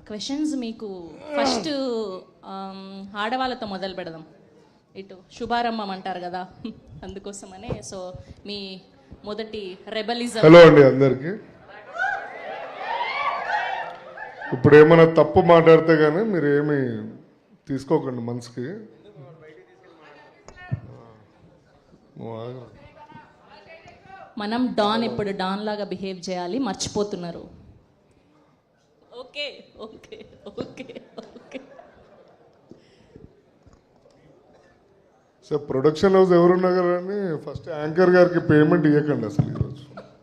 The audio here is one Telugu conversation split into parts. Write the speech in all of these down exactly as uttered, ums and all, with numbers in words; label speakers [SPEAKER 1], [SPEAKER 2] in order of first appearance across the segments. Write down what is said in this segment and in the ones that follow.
[SPEAKER 1] క్వశ్చన్స్ మీకు ఫస్ట్ ఆడవాళ్ళతో మొదలు పెడదాం. ఇటు శుభారంభం అంటారు కదా, అందుకోసమనే. సో మీ మొదటి రెబలిజం.
[SPEAKER 2] హలో అండి అందరికి. ఇప్పుడు ఏమైనా తప్పు మాట్లాడితే కానీ మీరు ఏమి తీసుకోకండి మనసుకి.
[SPEAKER 1] మనం డాన్ ఇప్పుడు డాన్ లాగా బిహేవ్ చేయాలి, మర్చిపోతున్నారు. Okay okay okay okay
[SPEAKER 2] sir production house ఎవరున్నా కానీ ఫస్ట్ యాంకర్ గారికి పేమెంట్ ఇవ్వకండి అసలు ఈరోజు.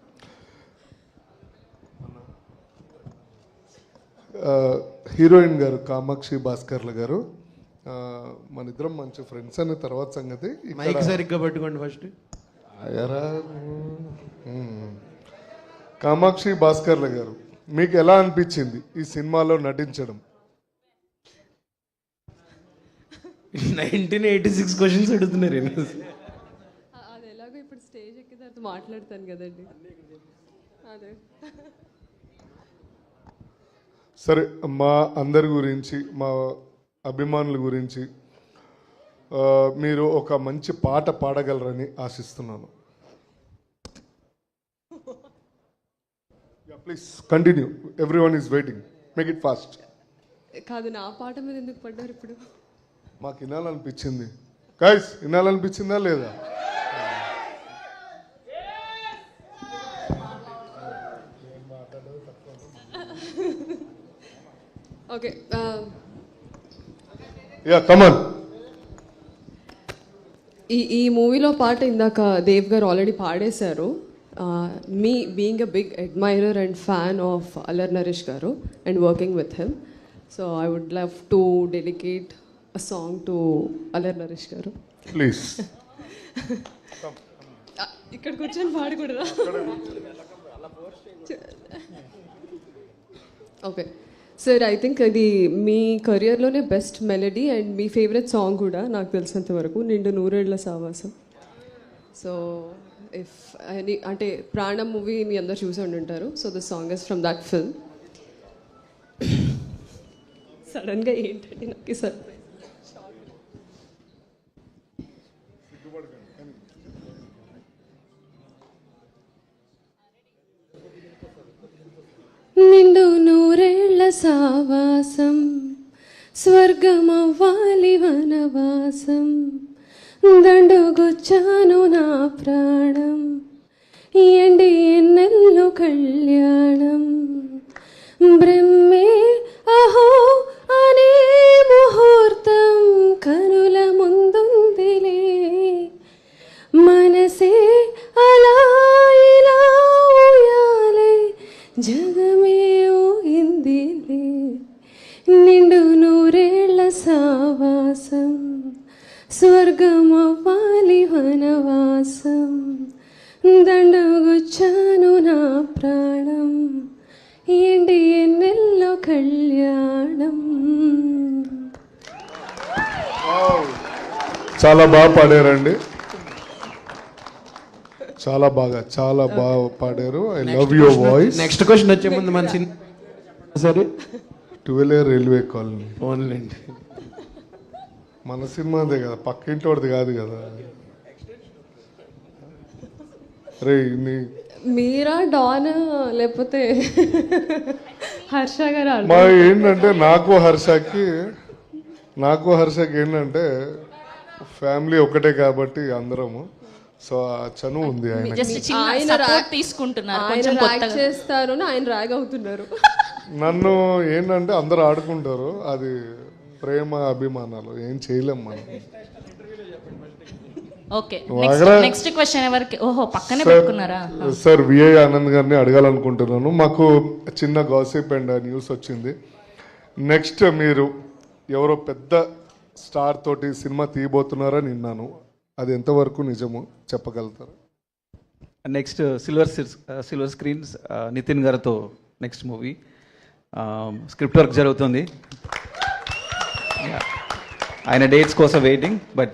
[SPEAKER 2] హీరోయిన్ గారు కామాక్షి భాస్కర్ల గారు, మన ఇద్దరం మంచి ఫ్రెండ్స్ అనే తర్వాత సంగతి.
[SPEAKER 3] మైక్ సరిగ్గా పట్టుకోండి ఫస్ట్.
[SPEAKER 2] కామాక్షి భాస్కర్ల గారు, మీకు ఎలా అనిపించింది ఈ సినిమాలో నటించడం?
[SPEAKER 3] నైన్టీన్ ఎయిటీ సిక్స్ క్వశ్చన్స్ అడుగుతున్నారు.
[SPEAKER 4] అది ఎలాగో ఇప్పుడు స్టేజ్ ఎక్కిన తర్వాత మాట్లాడతాను కదండి. అదే
[SPEAKER 2] సరే, మా అందరి గురించి, మా అభిమానుల గురించి మీరు ఒక మంచి పాట పాడగలరని ఆశిస్తున్నాను. Please continue, every one is waiting, make it fast.
[SPEAKER 4] కాదు, నా పాట మీద ఎందుకు పడ్డారు ఇప్పుడు?
[SPEAKER 2] మాకు వినాలనిపించింది. గైస్, వినాలనిపించిందా లేదా?
[SPEAKER 4] Okay,
[SPEAKER 2] ya come on.
[SPEAKER 4] ఈ ఈ మూవీలో పాట ఇందాక దేవ్ గారు ఆల్రెడీ పాడేశారు. Me being a big admirer and fan of Allari Naresh garu and working with him, so I would love to dedicate a song to Allari Naresh garu.
[SPEAKER 2] Please.
[SPEAKER 4] ఇక్కడ కూర్చొని పాడకూడదా? ఓకే సార్, ఐ థింక్ అది మీ కెరియర్లోనే బెస్ట్ మెలడీ అండ్ మీ ఫేవరెట్ సాంగ్ కూడా నాకు తెలిసినంత వరకు, నిండు నూరేళ్ల సావాసం. సో ఇఫ్ అని అంటే ప్రాణం మూవీ మీ అందరు చూసి ఉండుంటారు. So the song is from that film. సడన్గా ఏంటంటే నాకు సార్ నిండు నూరేళ్ల సావాసం, స్వర్గమవ్వాలి వనవాసం, దండుగొచ్చాను నా ప్రాణం, ఎండి ఎన్నెల్లు కళ్యాణం, బ్రహ్మే అహో అనే ముహూర్తం కనుల ముందుందిలే, మనసే అలా ఇలా ఊయాలై జగమే ఊహిందిలే, నిండు నూరేళ్ల సావాసం, స్వర్గమవ్వాలి వనవాసం, దండగొచ్చాను నా ప్రాణం, ఏంటి ఎన్నెల్లో కళ్యాణం.
[SPEAKER 2] చాలా బాగా పాడారండి, చాలా బాగా చాలా బాగా పాడారు. I love your voice.
[SPEAKER 3] Next question వచ్చే ముందు మన సినిమా సరే
[SPEAKER 2] ట్వెల్వ్ రైల్వే కాలనీ
[SPEAKER 3] ఓన్లేండి.
[SPEAKER 2] మన సినిమాదే కదా, పక్కింటి వాడిది కాదు కదా. రే నీ
[SPEAKER 4] మీరా డాన్ లేకపోతే హర్ష గారు?
[SPEAKER 2] మా ఏంటంటే నాకు హర్షకి నాకు హర్షకి ఏంటంటే ఫ్యామిలీ ఒకటే కాబట్టి అందరము. సో ఆ చను ఉంది ఆయన.
[SPEAKER 1] జస్ట్ చిన్న
[SPEAKER 4] ఆయన
[SPEAKER 1] సపోర్ట్ తీసుకుంటున్నారు,
[SPEAKER 4] ఆయన
[SPEAKER 1] కొంచెం
[SPEAKER 4] ర్యాగ్
[SPEAKER 1] కొత్తగా.
[SPEAKER 4] చేస్తారు, ఆయన ర్యాగ్ అవుతున్నారు.
[SPEAKER 2] నన్ను ఏంటంటే అందరూ ఆడుకుంటారు, అది ప్రేమ అభిమానాలు, ఏం చేయలేం మనం.
[SPEAKER 1] ఓకే, నెక్స్ట్ క్వశ్చన్ ఎవరికి? ఓహో, పక్కనే
[SPEAKER 2] సార్,
[SPEAKER 1] పెట్టుకున్నారా?
[SPEAKER 2] సార్ విఐ ఆనంద్ గారిని అడగాలనుకుంటున్నాను. మాకు చిన్న గాసిప్ అండ్ న్యూస్ వచ్చింది. నెక్స్ట్ మీరు ఎవరో పెద్ద స్టార్ తోటి సినిమా తీయబోతున్నారని విన్నాను, అది ఎంతవరకు నిజము చెప్పగలుగుతారు?
[SPEAKER 5] Next silver silver screens Nithin గారితో నెక్స్ట్ మూవీ స్క్రిప్ట్ వర్క్ జరుగుతుంది. ఆయన డేట్స్ కోసం వెయిటింగ్, బట్